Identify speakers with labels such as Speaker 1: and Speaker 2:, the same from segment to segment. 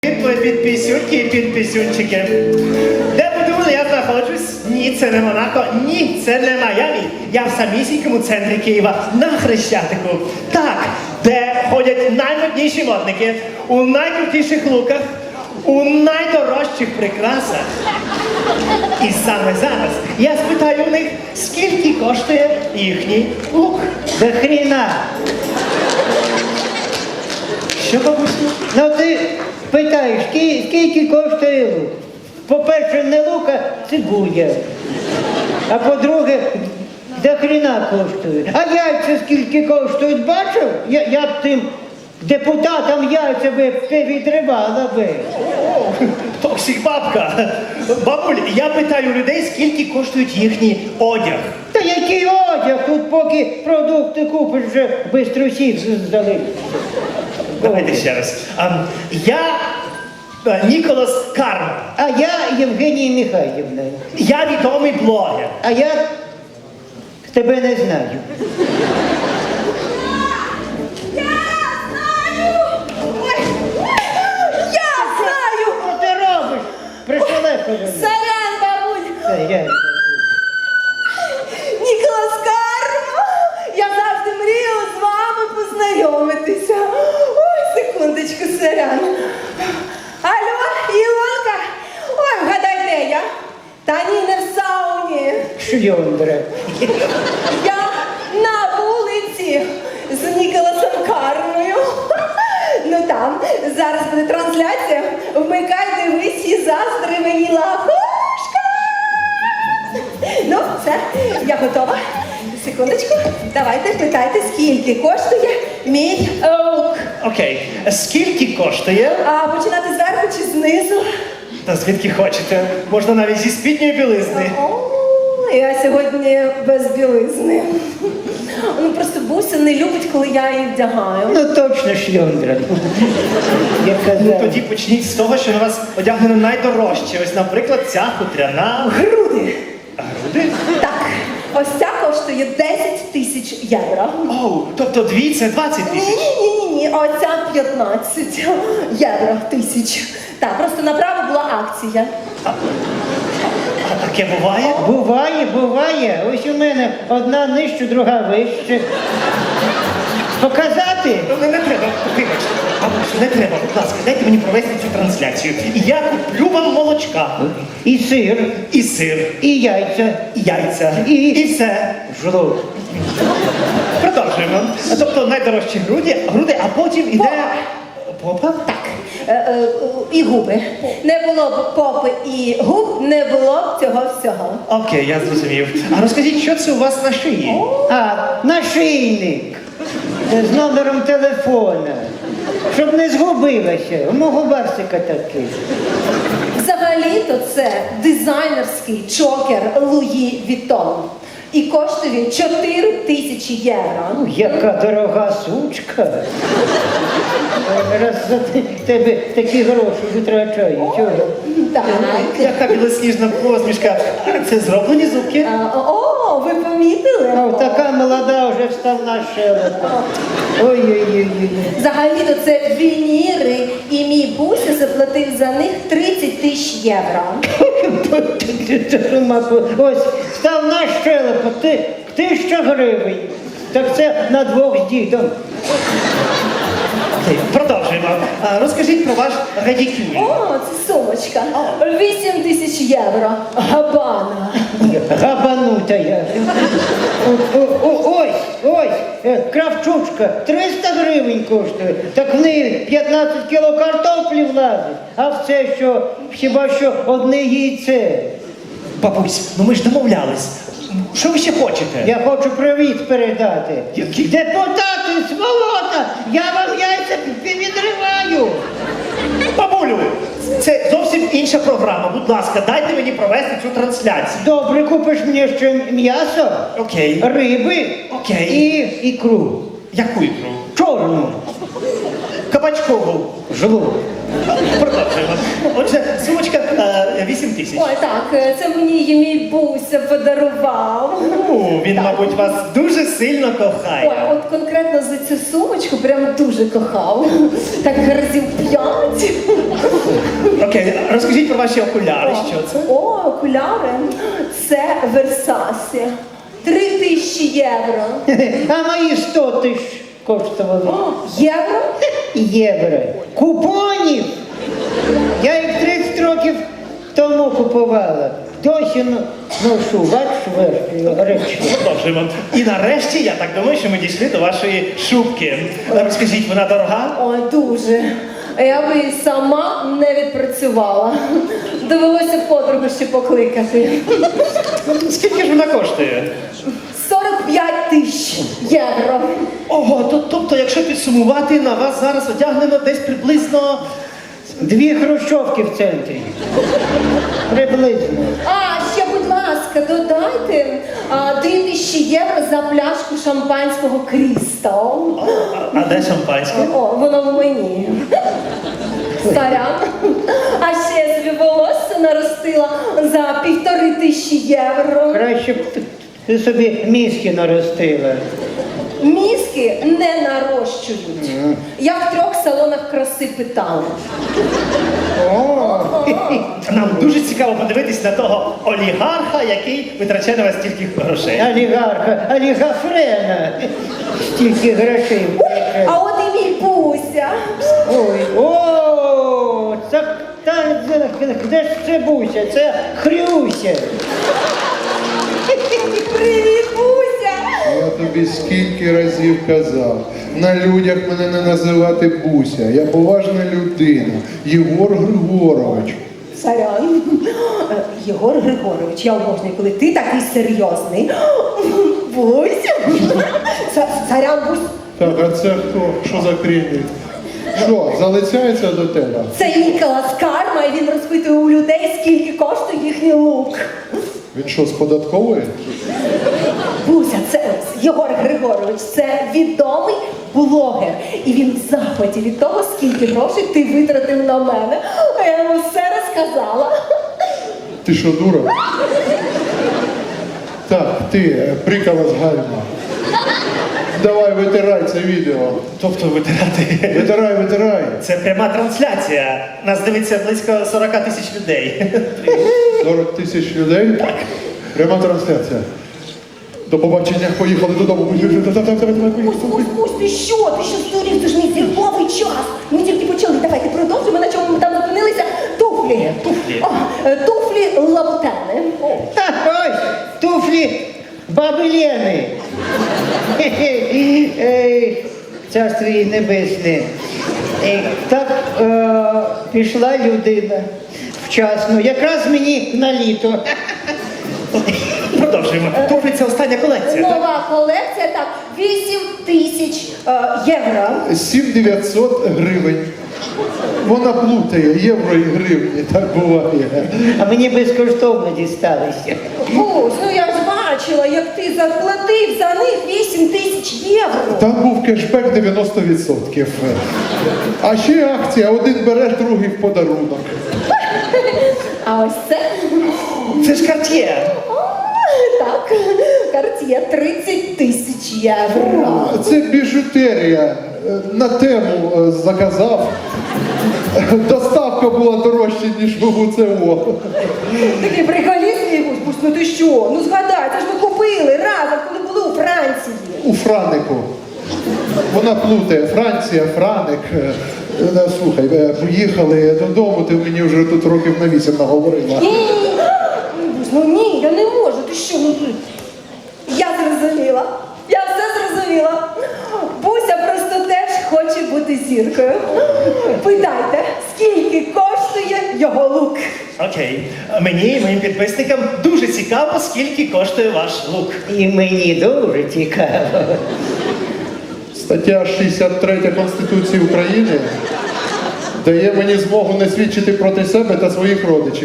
Speaker 1: Підписюнки і підписюнчики. Де ви думали, я знаходжусь? Ні, це не Монако, ні, це не Майамі. Я в самісінькому центрі Києва, на Хрещатику. Так, де ходять наймодніші модники, у найкрутіших луках, у найдорожчих прикрасах. І саме зараз я спитаю у них, скільки коштує їхній лук.
Speaker 2: До хріна.
Speaker 1: Що, бабусю?
Speaker 2: Ну ти питаєш, скільки коштує лук? По-перше, не лук, а цибуля. А по-друге, до хріна коштує. А яйця скільки коштують, бачив? Я б тим депутатам яйця би відривала би.
Speaker 1: Токсик бабка. Бабуль, я питаю людей, скільки коштують їхній одяг.
Speaker 2: Та який одяг? Тут поки продукти купиш, вже бистро всіх здали.
Speaker 1: Давайте ще раз. Я Ніколас Карм.
Speaker 2: А я Євгенія Михайлівна.
Speaker 1: Я відомий блогер.
Speaker 2: А я тебе не знаю.
Speaker 3: Я знаю!
Speaker 2: Що ти робиш? Пришелепили.
Speaker 3: Сорян, бабуль!
Speaker 2: Сорян.
Speaker 3: Ніколас Карма! Я завжди мріяла з вами познайомитися. Ой, секундочку, сорян. Алло, Ілонка! Ой, вгадай, де я? Та ні, не в сауні.
Speaker 2: Шльондра.
Speaker 3: Я на вулиці з Ніколасом Кармою. Ну там, зараз буде трансляція. Вмикай, дивись і заздри мені лапушка. Ну, все, я готова. Секундочку, давайте питайте, скільки коштує мій лук.
Speaker 1: Окей. Скільки коштує?
Speaker 3: А починати зверху чи знизу?
Speaker 1: Та звідки хочете. Можна навіть зі спідньої білизни.
Speaker 3: О, я сьогодні без білизни. Ну просто Буся не любить, коли я її вдягаю.
Speaker 2: Ну точно шльондра. Я
Speaker 1: Ну
Speaker 2: казав.
Speaker 1: тоді почніть з того, що на вас одягнено найдорожче. Ось, наприклад, ця хутряна.
Speaker 3: Груди.
Speaker 1: Груди?
Speaker 3: Так, ось ця коштує 10 тисяч євро.
Speaker 1: Оу, тобто дві це 20 тисяч.
Speaker 3: Ні, оця 15 євро тисяч. Так, просто направо була акція.
Speaker 1: А таке буває?
Speaker 2: Буває. Ось у мене одна нижче, друга вище. Показати?
Speaker 1: Ну, не треба, вибачте. Бабусю, не треба, будь ласка, дайте мені провести цю трансляцію. І я куплю вам молочка.
Speaker 2: І сир,
Speaker 1: І сир,
Speaker 2: і яйця,
Speaker 1: і яйця,
Speaker 2: І-
Speaker 1: і все.
Speaker 2: жлоб.
Speaker 1: Продовжуємо. Тобто найдорожчі груди, а потім іде... Попа?
Speaker 3: Так, і губи. Не було б попи і губ, не було б цього всього.
Speaker 1: Окей, я зрозумів. А розкажіть, що це у вас на шиї?
Speaker 2: А, нашийник з номером телефона. Щоб не згубилася. У мого барсика такий.
Speaker 3: Взагалі-то це дизайнерський чокер Луї Вітон. І коштує він 4 тисячі євро.
Speaker 2: Ну, яка дорога сучка. Раз за тебе такі гроші витрачаю. Чого?
Speaker 3: Так.
Speaker 1: Яка білосніжна посмішка. Це зроблені зубки?
Speaker 3: О, ви помітили?
Speaker 2: А така молода вже вставна щелепа. Ой-ой-ой.
Speaker 3: Взагалі-то це вініри, і мій Буся заплатив за них 30 тисяч євро.
Speaker 2: Ось, вставна щелепа, 1000 гривень. Так це на двох з дідом.
Speaker 1: Окей, продовжуємо. Розкажіть про ваш радікюль.
Speaker 3: О, це сумочка. 8 тисяч євро. Габана.
Speaker 2: Габанута я. Ось, кравчучка, 300 гривень коштує. Так в неї 15 кіло картоплі влазить. А в це що, хіба що одне яйце.
Speaker 1: Бабусь, ну ми ж домовлялись. Що ви ще хочете?
Speaker 2: Я хочу привіт передати.
Speaker 1: Який?
Speaker 2: Депутати, сволота, я вам яйця відриваю.
Speaker 1: Бабулю, це зовсім інша програма. Будь ласка, дайте мені провести цю трансляцію.
Speaker 2: Добре, купиш мені ще м'ясо,
Speaker 1: Окей.
Speaker 2: риби
Speaker 1: Окей.
Speaker 2: і ікру.
Speaker 1: Яку ікру?
Speaker 2: Чорну.
Speaker 1: Кабачкову.
Speaker 2: Жлоб.
Speaker 1: Продовжуємо. Отже, сумочка 8 тисяч.
Speaker 3: Ой, так, це мені її мій Буся подарував.
Speaker 1: Ну, він, мабуть, вас дуже сильно
Speaker 3: Ой,
Speaker 1: кохає.
Speaker 3: от конкретно за цю сумочку прям дуже кохав. Так разів 5.
Speaker 1: Окей, розкажіть про ваші окуляри, що це?
Speaker 3: О, окуляри. Це Версасі. 3000 євро.
Speaker 2: А мої 100 тисяч коштували.
Speaker 3: О, євро?
Speaker 2: Євро. Купонів! Я їх 30 років тому купувала. Досі ношу, бачиш, речі.
Speaker 1: Продовжуємо. І нарешті, я так думаю, що ми дійшли до вашої шубки. Розкажіть, вона дорога?
Speaker 3: Ой, дуже. Я би і сама не відпрацювала. Довелося подругу ще покликати.
Speaker 1: Скільки ж вона коштує?
Speaker 3: 45 тисяч євро.
Speaker 1: Ого, тобто, якщо підсумувати, на вас зараз одягнено десь приблизно...
Speaker 2: 2 хрущовки в центрі. Приблизно.
Speaker 3: А, ще, будь ласка, додайте 2000 євро за пляшку шампанського Крістал.
Speaker 1: А де шампанське?
Speaker 3: О, воно в мені. Сорян. А ще я собі волосся наростила за 1500 євро.
Speaker 2: Краще б ти собі мізки наростила.
Speaker 3: Мізки не нарощують. Я в 3 салонах краси питала.
Speaker 2: О,
Speaker 1: Нам дуже цікаво подивитись на того олігарха, який витрачає на вас стільки грошей.
Speaker 2: олігафрена. Стільки грошей.
Speaker 3: А от і мій Буся.
Speaker 2: Ой, о, де ж це Буся? Це Хрюся.
Speaker 3: Привіт, Буся!
Speaker 4: Я тобі скільки разів казав, на людях мене не називати Буся. Я поважна людина. Єгор Григорович.
Speaker 3: Сорян. Єгор Григорович, я обожнюю, коли ти такий серйозний. Буся. Сорян, Бусь.
Speaker 4: Так, а це хто? Що за крінь? Що, залицяється до тебе?
Speaker 3: Це Ніколас Карма, і він розпитує у людей, скільки коштує їхній лук.
Speaker 4: Він що, з податкової?
Speaker 3: Буся, це Єгор Григорович, це відомий блогер. І він в захваті від того, скільки грошей ти витратив на мене. А я йому все розказала.
Speaker 4: Ти що, дура? Так, ти, прикола з гальма. Давай, витирай це відео.
Speaker 1: Тобто витирати.
Speaker 4: Витирай.
Speaker 1: Це пряма трансляція. Нас дивиться близько 40 тисяч людей.
Speaker 4: 40 тисяч людей? Так. Пряма трансляція. До побачення, поїхали додому.
Speaker 3: Бусь, ти що здурів? Це ж мій зірковий час. Ми тільки почали. Давайте продовжимо, на чому ми там зупинилися. Туфлі.
Speaker 1: Туфлі.
Speaker 3: О, туфлі лабутени.
Speaker 2: Ось, туфлі баби Лени. Царство їй небесне. Так пішла людина вчасно, якраз мені на літо.
Speaker 1: Продовжуємо. Туфлі – це остання колекція, так?
Speaker 3: Нова колекція, так, 8000 євро.
Speaker 4: 7900 гривень. Вона плутає євро і гривні, так буває.
Speaker 2: А мені безкоштовно дісталися.
Speaker 3: Бусь, ну я ж бачила, як ти заплатив за них 8000 євро.
Speaker 4: Там був кешбек 90%. А ще акція, один береш, другий в подарунок.
Speaker 3: А ось це,
Speaker 1: Це ж Cartier.
Speaker 3: так, Cartier 30 тисяч євро.
Speaker 4: Це біжутерія. На тему заказав. Доставка була дорожча, ніж в УЦО.
Speaker 3: Такий приколіст, Бусь, ну ти що? Ну згадай, це ж ми купили разом, коли були у Франції.
Speaker 4: У Франику. Вона плутає. Франція, Франик. Слухай, поїхали додому, ти мені вже тут років на 8 наговорила.
Speaker 3: Ні, Бусь, ну ні, я не можу, ти що? Ну, я зрозуміла, я все зрозуміла. Буся просто теж хоче бути зіркою. Питайте, скільки коштує його лук?
Speaker 1: Окей. Мені і моїм підписникам дуже цікаво, скільки коштує ваш лук.
Speaker 2: І мені дуже цікаво.
Speaker 4: Стаття 63 Конституції України дає мені змогу не свідчити проти себе та своїх родичів.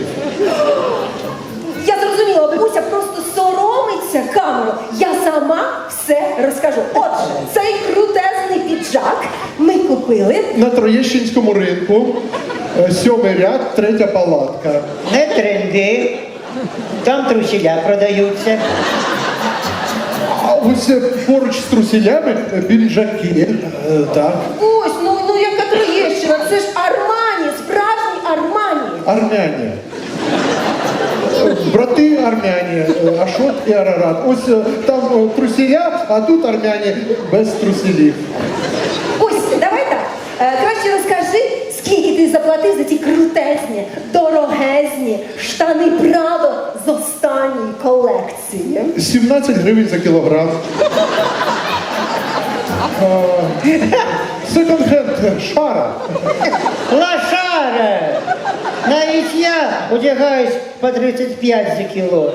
Speaker 3: Я зрозуміла, бабуся просто соромиться камеру. Я сама все розкажу. Отже, цей крутезний піджак ми купили.
Speaker 4: На Троєщинському ринку 7-й ряд, 3-я палатка.
Speaker 2: Не тренди. Там трусіля продаються.
Speaker 4: А ось поруч з трусілями піджаки. Так.
Speaker 3: Ось, ну яка Троєщина, це ж Армані, справжній Армані.
Speaker 4: Армяні. Брати армяні, Ашот і Арарат. Ось там трусіля, а тут армяні без трусілів.
Speaker 3: Ось, давай так. Краще розкажи, скільки ти заплатив за ті крутезні, дорогезні штани Прадо з останньої колекції.
Speaker 4: 17 гривень за кілограм. Секонд-хенд шара.
Speaker 2: Лошара! Навіть я одягаюсь по 35 за кіло.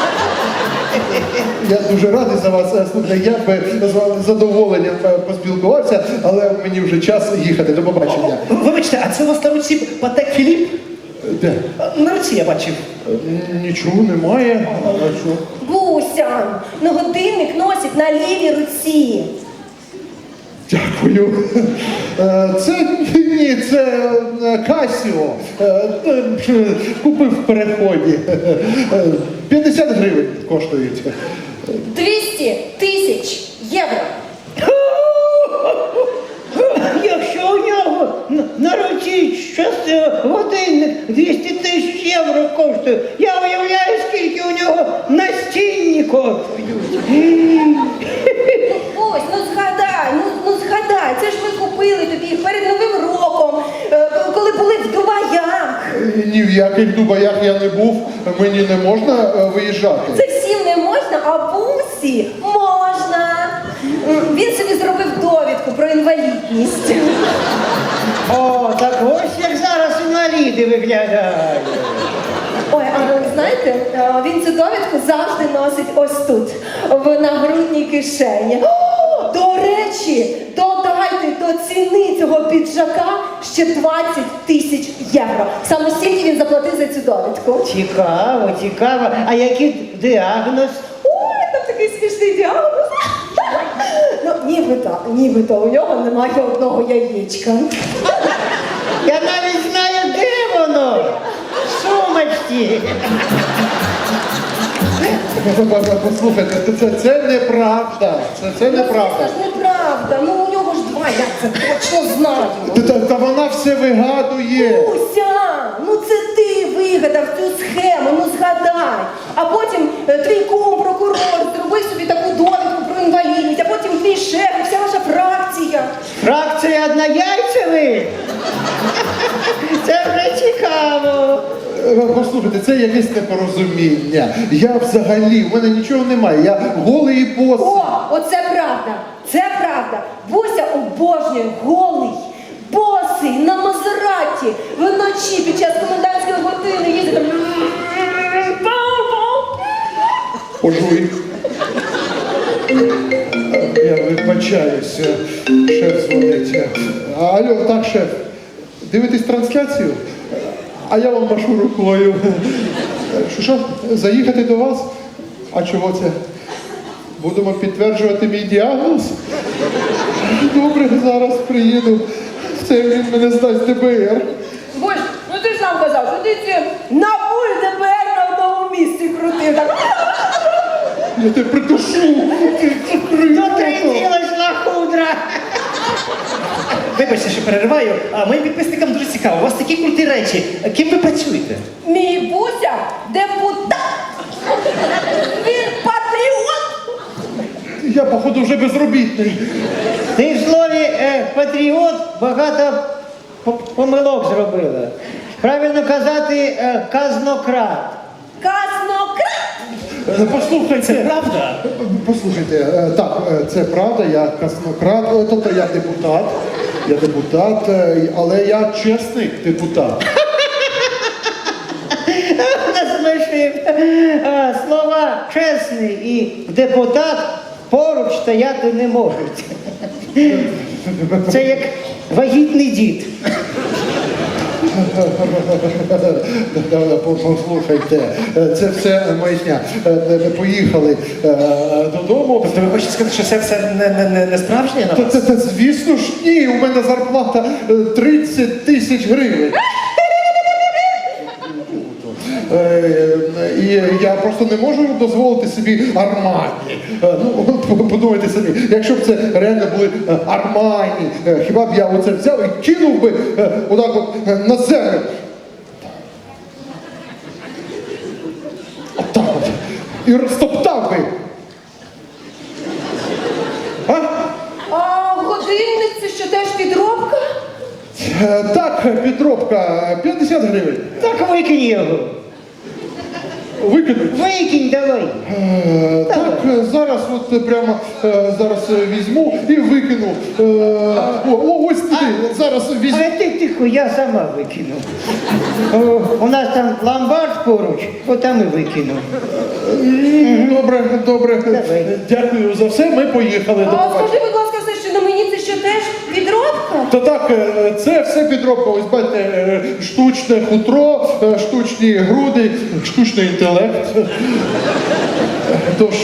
Speaker 4: Я дуже радий за вас. Слухайте, я би з вами з задоволенням поспілкувався, але мені вже час їхати. До побачення.
Speaker 1: Вибачте, а це у вас на руці Патек Філіп?
Speaker 4: Де?
Speaker 1: На руці я бачив.
Speaker 4: Нічого немає. А що?
Speaker 3: Буся, ну годинник носить на лівій руці.
Speaker 4: Дякую. Це Касіо. Купив в переході. 50 гривень коштують.
Speaker 3: 200 тисяч євро.
Speaker 2: Якщо у нього на руці годинник 200 тисяч євро коштує, я уявляю, скільки у нього настінні коштують.
Speaker 3: Ось, ну згадай, це ж ми купили тобі їх перед Новим роком, коли були в Дубаях.
Speaker 4: Ні в яких Дубаях я не був, мені не можна виїжджати.
Speaker 3: Це всім не можна, а Бусі можна. Він собі зробив довідку про інвалідність.
Speaker 2: О, так ось як зараз інваліди виглядають.
Speaker 3: Ой, а ви знаєте, він цю довідку завжди носить ось тут, в нагрудній кишені. О, до речі, додайте до ціни цього піджака ще 20 тисяч євро. Саме стільки він заплатив за цю довідку.
Speaker 2: Цікаво, цікаво. А який діагноз?
Speaker 3: Ой, там такий смішний діагноз. Ну, нібито у нього немає одного яєчка.
Speaker 2: Я навіть знаю, де воно. В сумочці.
Speaker 4: Послухайте, це неправда. Це неправда.
Speaker 3: Це ж неправда. Ну у нього ж два, я це точно знаю.
Speaker 4: Та вона все вигадує.
Speaker 3: Уся, ну це ти вигадав цю схему, ну згадай. А потім твій кум, прокурор, зробив собі таку довідку про інвалідність, а потім твій шеф, і вся ваша фракція.
Speaker 2: Фракція однояйцевих? Це вже цікаво.
Speaker 4: Послухайте, це якесь непорозуміння. Я взагалі, в мене нічого немає. Я голий і босий.
Speaker 3: О, оце правда, це правда. Буся обожнює голий, босий, на Мазераті, вночі під час комендантської години їздить.
Speaker 4: Пожуй. Я вибачаюся. Шеф дзвонить. Алло, так, шеф. Дивитесь трансляцію? А я вам машу рукою. Що, заїхати до вас? А чого це? Будемо підтверджувати мій діагноз? Добре, зараз приїду. Це він мене здасть ДБР.
Speaker 3: Боже, ну ти ж сам казав, що ти ці на пульт ДБР на одному місці крутив. Так.
Speaker 4: Я тебе придушу.
Speaker 2: Дотриділась лахудра.
Speaker 1: Вибачте, що перериваю, а моїм підписникам дуже цікаво. У вас такі круті речі. Ким ви працюєте?
Speaker 3: Мій Буся депутат. Він патріот.
Speaker 4: Я, походу, вже безробітний.
Speaker 2: Ти в слові патріот багато помилок зробила. Правильно казати казнократ.
Speaker 3: Казнократ.
Speaker 1: Послухайте, це правда?
Speaker 4: Послухайте, так, це правда, я казнократ, тобто я депутат, але я чесний депутат.
Speaker 2: Насмішив. Слова чесний і депутат поруч стояти не можуть. Це як вагітний дід.
Speaker 4: Послухайте, це все маячня. Поїхали додому.
Speaker 1: Тобто ви хочете сказати, що це все не справжнє на вас?
Speaker 4: Звісно ж, ні, у мене зарплата 30 тисяч гривень. я просто не можу дозволити собі Армані. Ну, от подумайте самі, якщо б це реально були Армані, хіба б я оце взяв і кинув би отак от на землю. Отак от. І розтоптав би. А?
Speaker 3: А годинник це що теж підробка?
Speaker 4: Так, підробка, 50 гривень.
Speaker 2: Так викинь його.
Speaker 4: Викинуть.
Speaker 2: Викинь давай.
Speaker 4: Так, зараз от прямо зараз візьму і викину. Ось туди, зараз візьму.
Speaker 2: А ти тихо, я сама викину. У нас там ломбард поруч, отам і викину.
Speaker 4: Добре, добре.
Speaker 2: Давай.
Speaker 4: Дякую за все, ми поїхали. До
Speaker 3: А
Speaker 4: побачення.
Speaker 3: скажи, будь ласка, все, що на мені це що теж підробка?
Speaker 4: Та так, це все підробка. Ось бачите, штучне хутро, штучні груди, штучний інтелект. Тож,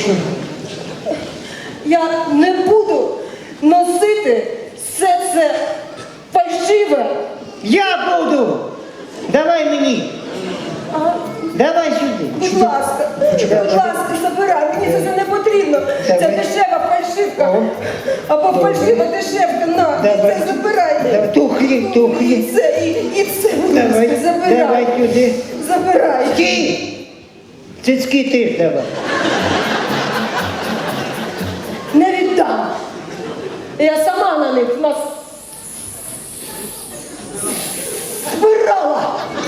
Speaker 3: Я не буду носити все це фальшиве.
Speaker 2: Я буду! Давай мені!
Speaker 3: А,
Speaker 2: Давай сюди!
Speaker 3: будь ласка, забирай, мені це не потрібно. Це
Speaker 2: Давай.
Speaker 3: дешева фальшивка.
Speaker 2: О.
Speaker 3: Або фальшива дешевка, на,
Speaker 2: Давай.
Speaker 3: це забирай.
Speaker 2: Тухлі,
Speaker 3: І
Speaker 2: тухлі.
Speaker 3: це, і це, будь
Speaker 2: Давай,
Speaker 3: ласка, забирай.
Speaker 2: давай сюди.
Speaker 3: Забирай.
Speaker 2: Стій! Цицьки теж давай.
Speaker 3: Не віддам. Я сама на них збирала.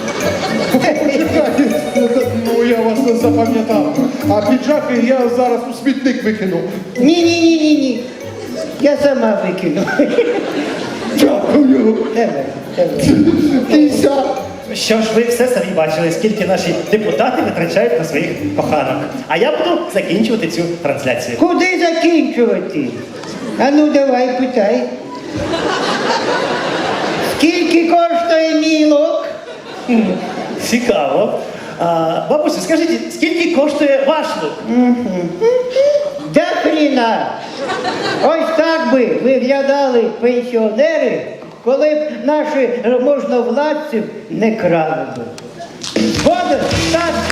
Speaker 4: ну я вас не запам'ятав. А піджаки я зараз у смітник викину.
Speaker 2: Ні. Я сама викину.
Speaker 4: Дякую.
Speaker 2: Давай, давай.
Speaker 4: Кися.
Speaker 1: Що ж, ви все самі бачили, скільки наші депутати витрачають на своїх коханок. А я буду закінчувати цю трансляцію.
Speaker 2: Куди закінчувати? А ну давай, питай. Скільки коштує мій лук?
Speaker 1: Цікаво. Бабусю, скажіть, скільки коштує ваш лук?
Speaker 2: Да хріна! Ось так би виглядали пенсіонери, коли б наші можновладці не крали би. Згоден? Так.